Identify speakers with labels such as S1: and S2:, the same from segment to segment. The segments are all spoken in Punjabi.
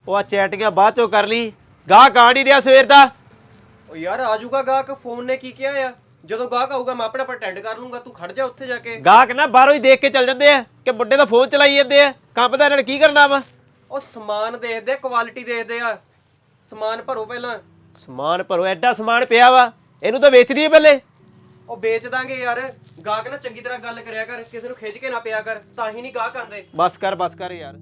S1: ਉਹ ਆ ਚੈਟਿੰਗਾਂ ਬਾਅਦ ਚੋਂ ਕਰ ਲਈ। ਗਾਹਕ ਆ ਨਹੀਂ ਰਿਹਾ ਸਵੇਰ ਦਾ।
S2: ਉਹ ਯਾਰ ਆ ਜਾਊਗਾ ਗਾਹਕ, ਫੋਨ ਨੇ ਕੀ ਕਿਹਾ ਆ? ਜਦੋਂ ਗਾਹਕ ਆਊਗਾ ਮੈਂ ਆਪਣਾ ਅਟੈਂਡ ਕਰ ਲੂੰਗਾ, ਤੂੰ ਖੜ ਜਾ ਉੱਥੇ ਜਾ ਕੇ।
S1: ਗਾਹਕ ਨਾ ਬਾਹਰੋਂ ਹੀ ਦੇਖ ਕੇ ਚੱਲ ਜਾਂਦੇ ਆ ਕਿ ਮੁੰਡੇ ਦਾ ਫੋਨ ਚਲਾਈ ਜਾਂਦੇ ਆ। ਕੰਮ ਦਾ ਇਹਨਾਂ ਨੇ ਕੀ ਕਰਨਾ ਵਾ?
S2: ਉਹ ਸਮਾਨ ਦੇਖਦੇ, ਕੁਆਲਿਟੀ ਦੇਖਦੇ ਆ। ਸਮਾਨ ਭਰੋ ਪਹਿਲਾਂ।
S1: ਸਮਾਨ ਭਰੋ? ਐਡਾ ਸਮਾਨ ਪਿਆ ਵਾ, ਇਹਨੂੰ ਤਾਂ ਵੇਚ ਦਈਏ ਪਹਿਲੇ।
S2: ਉਹ ਵੇਚ ਦਾਂਗੇ ਯਾਰ। ਗਾਹਕ ਨਾਲ ਚੰਗੀ ਤਰ੍ਹਾਂ ਗੱਲ ਕਰਿਆ ਕਰ, ਕਿਸੇ ਨੂੰ ਖਿੱਚ ਕੇ ਨਾ ਪਿਆ ਕਰ, ਤਾਂ ਹੀ ਨਹੀਂ ਗਾਹਕ ਆਂਦੇ।
S1: ਬਸ ਕਰ ਯਾਰ।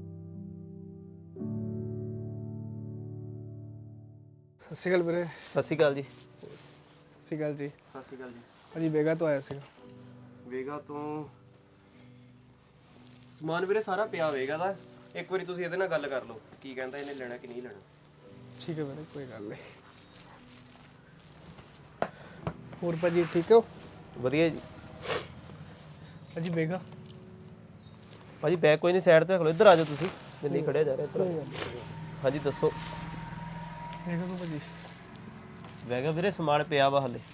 S3: ਸਤਿ ਸ਼੍ਰੀ ਅਕਾਲ ਵੀਰੇ।
S1: ਸਤਿ ਸ਼੍ਰੀ ਅਕਾਲ ਜੀ।
S3: ਸਤਿ ਸ਼੍ਰੀ ਅਕਾਲ ਜੀ।
S2: ਸਤਿ ਸ਼੍ਰੀ ਅਕਾਲ ਜੀ।
S3: ਭਾਜੀ ਵੇਗਾ ਤੋਂ ਆਇਆ ਸੀਗਾ।
S2: ਵੇਗਾ ਤੋਂ ਸਮਾਨ ਵੀਰੇ ਸਾਰਾ ਪਿਆ ਵੇਗਾ ਦਾ। ਇੱਕ ਵਾਰੀ ਤੁਸੀਂ ਇਹਦੇ ਨਾਲ ਗੱਲ ਕਰ ਲਓ, ਕੀ ਕਹਿੰਦਾ ਇਹਨੇ ਲੈਣਾ ਕਿ ਨਹੀਂ ਲੈਣਾ।
S3: ਠੀਕ ਹੈ ਵੀਰੇ, ਕੋਈ ਗੱਲ ਨਹੀਂ। ਹੋਰ ਭਾਜੀ ਠੀਕ ਹੋ?
S1: ਵਧੀਆ ਜੀ।
S3: ਭਾਜੀ ਵੇਗਾ
S1: ਭਾਜੀ ਬੈਗ ਕੋਈ ਨਹੀਂ, ਸਾਈਡ ਤੇ ਰੱਖ ਲਓ। ਇੱਧਰ ਆ ਜਾਓ ਤੁਸੀਂ, ਮੈਂ ਨਹੀਂ ਖੜਿਆ ਜਾ ਰਿਹਾ। ਇੱਧਰ ਹਾਂਜੀ ਦੱਸੋ।
S3: ਵੇਗਾ ਤੋਂ ਭਾਜੀ
S1: ਮੈਂ ਕਿਹਾ ਵੀਰੇ ਸਮਾਨ ਪਿਆ ਵਾ ਹਲੇ।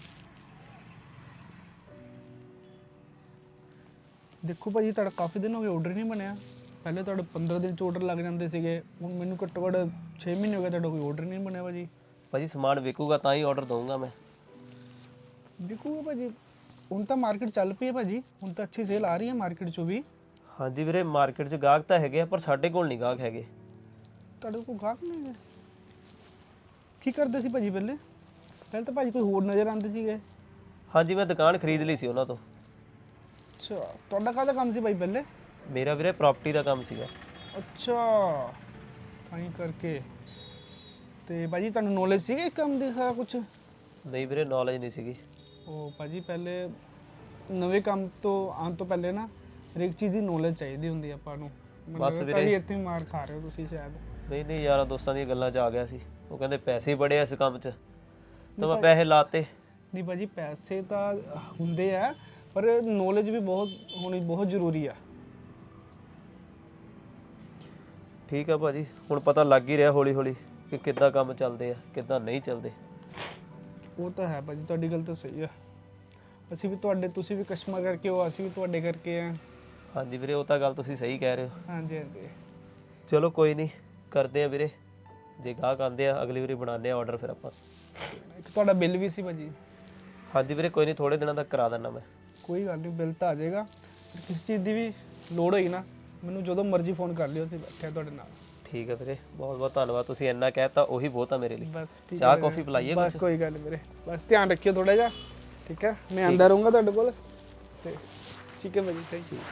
S3: ਦੇਖੋ ਭਾਜੀ, ਤੁਹਾਡਾ ਕਾਫੀ ਦਿਨ ਹੋ ਗਏ ਆਰਡਰ ਨਹੀਂ ਬਣਿਆ। ਪਹਿਲੇ ਤੁਹਾਡੇ 15 ਦਿਨ 'ਚ ਆਰਡਰ ਲੱਗ ਜਾਂਦੇ ਸੀਗੇ, ਹੁਣ ਮੈਨੂੰ ਘੱਟੋ ਘੱਟ 6 ਮਹੀਨੇ ਹੋ ਗਏ ਤੁਹਾਡਾ ਕੋਈ ਆਰਡਰ ਨਹੀਂ ਬਣਿਆ ਭਾਜੀ।
S1: ਭਾਜੀ ਸਮਾਨ ਵਿਕੂਗਾ ਤਾਂ ਹੀ ਆਰਡਰ ਦਊਂਗਾ ਮੈਂ।
S3: ਦੇਖੋ ਭਾਜੀ, ਹੁਣ ਤਾਂ ਮਾਰਕੀਟ ਚੱਲ ਪਈ ਹੈ ਭਾਜੀ, ਹੁਣ ਤਾਂ ਅੱਛੀ ਸੇਲ ਆ ਰਹੀ ਹੈ ਮਾਰਕੀਟ 'ਚੋਂ ਵੀ।
S1: ਹਾਂਜੀ ਵੀਰੇ ਮਾਰਕੀਟ 'ਚ ਗਾਹਕ ਤਾਂ ਹੈਗੇ ਆ, ਪਰ ਸਾਡੇ ਕੋਲ ਨਹੀਂ ਗਾਹਕ ਹੈਗੇ।
S3: ਤੁਹਾਡੇ ਕੋਲ ਗਾਹਕ ਨਹੀਂ ਹੈ? ਕੀ ਕਰਦੇ ਸੀ ਭਾਜੀ ਪਹਿਲੇ? ਪਹਿਲੇ ਤਾਂ ਭਾਜੀ ਕੋਈ ਹੋਰ ਨਜ਼ਰ ਆਉਂਦੇ ਸੀਗੇ।
S1: ਹਾਂਜੀ ਮੈਂ ਦੁਕਾਨ ਖਰੀਦ ਲਈ ਸੀ ਉਹਨਾਂ ਤੋਂ।
S3: ਅੱਛਾ, ਤੁਹਾਡਾ ਕਾਹਦਾ ਕੰਮ ਸੀ ਭਾਈ ਪਹਿਲੇ?
S1: ਮੇਰਾ ਵੀਰੇ ਪ੍ਰਾਪਰਟੀ ਦਾ ਕੰਮ ਸੀਗਾ।
S3: ਅੱਛਾ, ਤਾਂ ਹੀ ਕਰਕੇ। ਤੇ ਭਾਜੀ ਤੁਹਾਨੂੰ ਨੌਲੇਜ ਸੀਗੀ ਇਸ ਕੰਮ ਦੀ ਸਾਰਾ ਕੁਝ?
S1: ਨਹੀਂ ਵੀਰੇ ਨੌਲੇਜ ਨਹੀਂ ਸੀਗੀ।
S3: ਉਹ ਭਾਜੀ ਪਹਿਲੇ ਨਵੇਂ ਕੰਮ ਤੋਂ ਆਉਣ ਤੋਂ ਪਹਿਲੇ ਨਾ ਹਰ ਇੱਕ ਚੀਜ਼ ਦੀ ਨੌਲੇਜ ਚਾਹੀਦੀ ਹੁੰਦੀ ਆਪਾਂ ਨੂੰ।
S1: ਬਸ
S3: ਵੀਰੇ
S1: ਵੀਰੇ
S3: ਇੱਥੇ ਹੀ ਮਾਰ ਖਾ ਰਹੇ ਹੋ ਤੁਸੀਂ ਸ਼ਾਇਦ।
S1: ਨਹੀਂ ਯਾਰਾਂ ਦੋਸਤਾਂ ਦੀਆਂ ਗੱਲਾਂ 'ਚ ਆ ਗਿਆ ਸੀ। ਉਹ ਕਹਿੰਦੇ ਪੈਸੇ ਹੀ ਬੜੇ ਆ ਇਸ ਕੰਮ 'ਚ, ਤਾਂ ਮੈਂ ਪੈਸੇ ਲਾਤੇ।
S3: ਨਹੀਂ ਭਾਜੀ ਪੈਸੇ ਤਾਂ ਹੁੰਦੇ ਆ, ਪਰ ਨੌਲੇਜ ਵੀ ਬਹੁਤ ਹੋਣੀ ਬਹੁਤ ਜ਼ਰੂਰੀ ਆ।
S1: ਠੀਕ ਆ ਭਾਜੀ, ਹੁਣ ਪਤਾ ਲੱਗ ਹੀ ਰਿਹਾ ਹੌਲੀ ਹੌਲੀ ਕਿ ਕਿੱਦਾਂ ਕੰਮ ਚੱਲਦੇ ਆ ਕਿੱਦਾਂ ਨਹੀਂ ਚੱਲਦੇ।
S3: ਉਹ ਤਾਂ ਹੈ ਭਾਜੀ, ਤੁਹਾਡੀ ਗੱਲ ਤਾਂ ਸਹੀ ਆ। ਅਸੀਂ ਵੀ ਤੁਹਾਡੇ, ਤੁਸੀਂ ਵੀ ਕਸਟਮਰ ਕਰਕੇ ਹੋ, ਅਸੀਂ ਵੀ ਤੁਹਾਡੇ ਕਰਕੇ ਆ।
S1: ਹਾਂਜੀ ਵੀਰੇ ਉਹ ਤਾਂ ਗੱਲ ਤੁਸੀਂ ਸਹੀ ਕਹਿ ਰਹੇ ਹੋ।
S3: ਹਾਂਜੀ ਹਾਂਜੀ,
S1: ਚਲੋ ਕੋਈ ਨਹੀਂ, ਕਰਦੇ ਆ ਵੀਰੇ। ਜੇ ਗਾਹਕ ਆਉਂਦੇ ਆ ਅਗਲੀ ਵਾਰੀ ਬਣਾਉਂਦੇ ਆ ਆਰਡਰ ਫਿਰ ਆਪਾਂ।
S3: ਇੱਕ ਤੁਹਾਡਾ ਬਿੱਲ ਵੀ ਸੀ ਭਾਜੀ।
S1: ਹਾਂਜੀ ਵੀਰੇ ਕੋਈ ਨਹੀਂ, ਥੋੜੇ ਦਿਨਾਂ ਤੱਕ ਕਰਾ ਦਿੰਦਾ ਮੈਂ।
S3: ਕੋਈ ਗੱਲ ਨਹੀਂ, ਬਿੱਲ ਤਾਂ ਆ ਜਾਏਗਾ। ਕਿਸ ਚੀਜ਼ ਦੀ ਵੀ ਲੋੜ ਹੋਈ ਨਾ, ਮੈਨੂੰ ਜਦੋਂ ਮਰਜ਼ੀ ਫੋਨ ਕਰ ਲਿਓ, ਅਸੀਂ ਬੈਠੇ ਤੁਹਾਡੇ ਨਾਲ।
S1: ਠੀਕ ਹੈ ਵੀਰੇ, ਬਹੁਤ ਬਹੁਤ ਧੰਨਵਾਦ। ਤੁਸੀਂ ਇੰਨਾ ਕਹਿਤਾ ਉਹੀ ਬਹੁਤ ਆ ਮੇਰੇ ਲਈ।
S3: ਬਸ ਠੀਕ
S1: ਚਾਹ
S3: ਹੈ
S1: ਕੌਫੀ ਪਿਲਾਈਏ
S3: ਬਸ
S1: ਕੁਛ?
S3: ਕੋਈ ਗੱਲ ਨਹੀਂ ਵੀਰੇ, ਬਸ ਧਿਆਨ ਰੱਖਿਓ ਥੋੜਾ ਜਿਹਾ, ਠੀਕ ਹੈ? ਮੈਂ ਆਂਦਾ ਰਹੂੰਗਾ ਤੁਹਾਡੇ ਕੋਲ ਤੇ। ਠੀਕ ਹੈ ਭਾਜੀ, ਥੈਂਕ ਯੂ।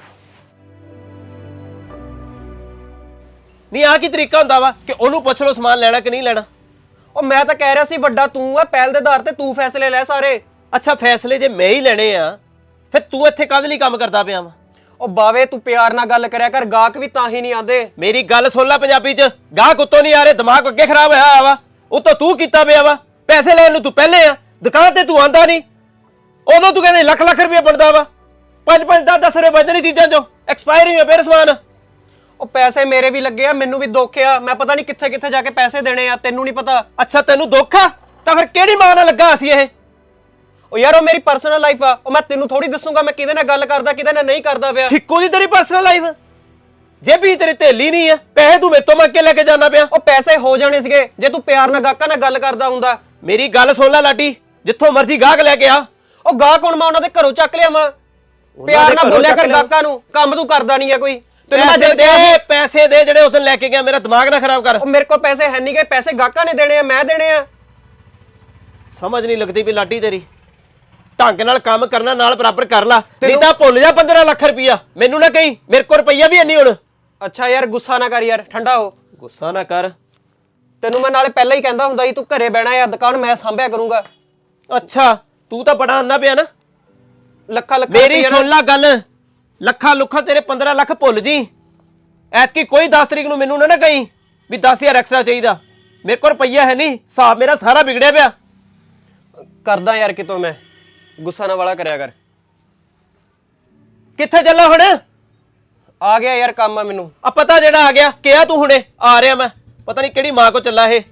S1: ਨਹੀਂ ਆ ਕੀ ਤਰੀਕਾ ਹੁੰਦਾ ਵਾ ਕਿ ਉਹਨੂੰ ਪੁੱਛ ਲਓ ਸਮਾਨ ਲੈਣਾ ਕਿ ਨਹੀਂ ਲੈਣਾ?
S2: ਉਹ ਮੈਂ ਤਾਂ ਕਹਿ ਰਿਹਾ ਸੀ ਵੱਡਾ ਤੂੰ ਆ, ਪਹਿਲ ਦੇ ਆਧਾਰ ਤੇ ਤੂੰ ਫੈਸਲੇ ਲੈ ਸਾਰੇ।
S1: ਅੱਛਾ ਫੈਸਲੇ ਜੇ ਮੈਂ ਹੀ ਲੈਣੇ ਆ, ਫਿਰ ਤੂੰ ਇੱਥੇ ਕਾਹਦੇ ਲਈ ਕੰਮ ਕਰਦਾ ਪਿਆ ਵਾ?
S2: ਉਹ ਬਾਵੇ ਤੂੰ ਪਿਆਰ ਨਾਲ ਗੱਲ ਕਰਿਆ ਕਰ, ਗਾਹਕ ਵੀ ਤਾਂ ਹੀ ਨਹੀਂ ਆਂਦੇ।
S1: ਮੇਰੀ ਗੱਲ ਸੁਣ ਲੈ ਪੰਜਾਬੀ 'ਚ। ਗਾਹਕ ਉੱਤੋਂ ਨਹੀਂ ਆ ਰਹੇ, ਦਿਮਾਗ ਅੱਗੇ ਖਰਾਬ ਹੋਇਆ ਵਾ। ਉੱਤੋਂ ਤੂੰ ਕੀਤਾ ਪਿਆ ਵਾ। ਪੈਸੇ ਲੈਣ ਨੂੰ ਤੂੰ ਪਹਿਲੇ ਆ, ਦੁਕਾਨ ਤੇ ਤੂੰ ਆਂਦਾ ਨਹੀਂ। ਉਦੋਂ ਤੂੰ ਕਹਿੰਦੇ ਲੱਖ ਰੁਪਏ ਬਣਦਾ ਵਾ, 5 10 ਰੁਪਏ ਬਚਦੇ ਨਹੀਂ ਚੀਜ਼ਾਂ 'ਚੋਂ, ਐਕਸਪਾਇਰ ਹੀ ਹੋਇਆ ਫਿਰ ਸਮਾਨ।
S2: ਉਹ ਪੈਸੇ ਮੇਰੇ ਵੀ ਲੱਗੇ ਆ, ਮੈਨੂੰ ਵੀ ਦੁੱਖ ਆ। ਮੈਂ ਪਤਾ ਨਹੀਂ ਕਿੱਥੇ ਕਿੱਥੇ ਜਾ ਕੇ ਪੈਸੇ ਦੇਣੇ ਆ, ਤੈਨੂੰ ਨਹੀਂ ਪਤਾ।
S1: ਅੱਛਾ ਤੈਨੂੰ ਦੁੱਖ ਆ, ਤਾਂ ਫਿਰ ਕਿਹੜੀ ਮਾਂ ਨਾਲ ਲੱਗਾ ਸੀ ਇਹ?
S2: ਉਹ ਯਾਰ ਉਹ ਮੇਰੀ ਪਰਸਨਲ ਲਾਈਫ ਆ, ਉਹ ਮੈਂ ਤੈਨੂੰ ਥੋੜੀ ਦੱਸੂਗਾ ਮੈਂ ਕਿਹਦੇ ਨਾਲ ਗੱਲ ਕਰਦਾ ਕਿਹਦੇ ਨਾਲ ਨਹੀਂ ਕਰਦਾ ਪਿਆ।
S1: ਛਿੱਕੂ ਦੀ ਤੇਰੀ ਪਰਸਨਲ ਲਾਈਫ, ਜੇਬੀ ਤੇਰੀ ਢੇਲੀ ਨਹੀਂ ਆ, ਪੈਸੇ ਤੂੰ ਮੇਰੇ ਤੋਂ ਮੰਗ ਕੇ ਲੈ ਕੇ ਜਾਣਾ ਪਿਆ।
S2: ਉਹ ਪੈਸੇ ਹੋ ਜਾਣੇ ਸੀਗੇ ਜੇ ਤੂੰ ਪਿਆਰ ਨਾਲ ਗਾਹਕਾਂ ਨਾਲ ਗੱਲ ਕਰਦਾ ਹੁੰਦਾ।
S1: ਮੇਰੀ ਗੱਲ ਸੁਣ ਲੈ ਲਾਡੀ, ਜਿੱਥੋਂ ਮਰਜ਼ੀ ਗਾਹਕ ਲੈ ਕੇ ਆ।
S2: ਉਹ ਗਾਹਕ ਹੁਣ ਮੈਂ ਉਹਨਾਂ ਦੇ ਘਰੋਂ ਚੱਕ ਲਿਆ ਵਾ। ਪਿਆਰ ਨਾਲ ਬੋਲਿਆ ਕਰ ਗਾਹਕਾਂ ਨੂੰ, ਕੰਮ ਤੂੰ ਕਰਦਾ ਨਹੀਂ ਆ ਕੋਈ। ਤੈਨੂੰ ਮੈਂ
S1: ਪੈਸੇ ਦੇ ਜਿਹੜੇ ਉਸ ਦਿਨ ਲੈ ਕੇ ਗਿਆ, ਮੇਰਾ ਦਿਮਾਗ ਨਾ ਖਰਾਬ ਕਰ।
S2: ਉਹ ਮੇਰੇ ਕੋਲ ਪੈਸੇ ਹੈ ਨਹੀਂ ਗਏ, ਪੈਸੇ ਗਾਹਕਾਂ ਨੇ ਦੇਣੇ ਆ, ਮੈਂ ਦੇਣੇ ਆ।
S1: ਸਮਝ ਨਹੀਂ ਲੱਗਦੀ ਵੀ ਲਾਡੀ ਤੇਰੀ। ਢੰਗ ਨਾਲ ਕੰਮ ਕਰਨਾ ਨਾਲ ਬਰਾਬਰ ਕਰ ਲਾ, ਨਹੀਂ ਤਾਂ ਭੁੱਲ ਜਾ 15 ਲੱਖ ਰੁਪਈਆ। ਮੈਨੂੰ ਨਾ ਕਹੀਂ ਮੇਰੇ ਕੋਲ ਰੁਪਈਆ ਵੀ ਨਹੀਂ ਹੁਣ।
S2: ਅੱਛਾ ਯਾਰ ਗੁੱਸਾ ਨਾ ਕਰ ਯਾਰ, ਠੰਡਾ ਹੋ।
S1: ਗੁੱਸਾ ਨਾ ਕਰ।
S2: ਤੈਨੂੰ ਮੈਂ ਨਾਲੇ ਪਹਿਲਾਂ ਹੀ ਕਹਿੰਦਾ ਹੁੰਦਾ ਸੀ ਤੂੰ ਘਰੇ ਬਹਿਣਾ ਆ, ਦੁਕਾਨ ਮੈਂ ਸੰਭਿਆ ਕਰੂੰਗਾ।
S1: ਅੱਛਾ ਤੂੰ ਤਾਂ ਬੜਾ ਆਂਦਾ ਪਿਆ ਨਾ।
S2: ਲੱਖਾਂ
S1: ਮੇਰੀ ਸੁਣ ਲੈ ਗੱਲ, ਲੱਖਾਂ ਲੁੱਖਾਂ ਤੇਰੇ 15 ਲੱਖ ਭੁੱਲ ਜੀ। ਐਤਕੀ ਕੋਈ 10 ਤਰੀਕ ਨੂੰ ਮੈਨੂੰ ਨਾ ਕਹੀਂ ਵੀ 10,000 ਐਕਸਟਰਾ ਚਾਹੀਦਾ। ਮੇਰੇ ਕੋਲ ਰੁਪਈਆ ਹੈ ਨਹੀਂ, ਹਿਸਾਬ ਮੇਰਾ ਸਾਰਾ ਵਿਗੜਿਆ ਪਿਆ।
S2: ਕਰਦਾ ਯਾਰ ਕਿਤੋਂ ਮੈਂ, ਗੁੱਸਾ ਨਾ ਵਾਲਾ ਕਰਿਆ ਕਰ।
S1: ਕਿੱਥੇ ਚੱਲਾ ਹੁਣ?
S2: ਆ ਗਿਆ ਯਾਰ ਕੰਮ ਆ ਮੈਨੂੰ।
S1: ਆ ਪਤਾ ਜਿਹੜਾ ਆ ਗਿਆ, ਕਿਹਾ ਤੂੰ ਹੁਣੇ ਆ ਰਿਹਾ ਮੈਂ, ਪਤਾ ਨਹੀਂ ਕਿਹੜੀ ਮਾਂ ਕੋ ਚੱਲਾ ਇਹ।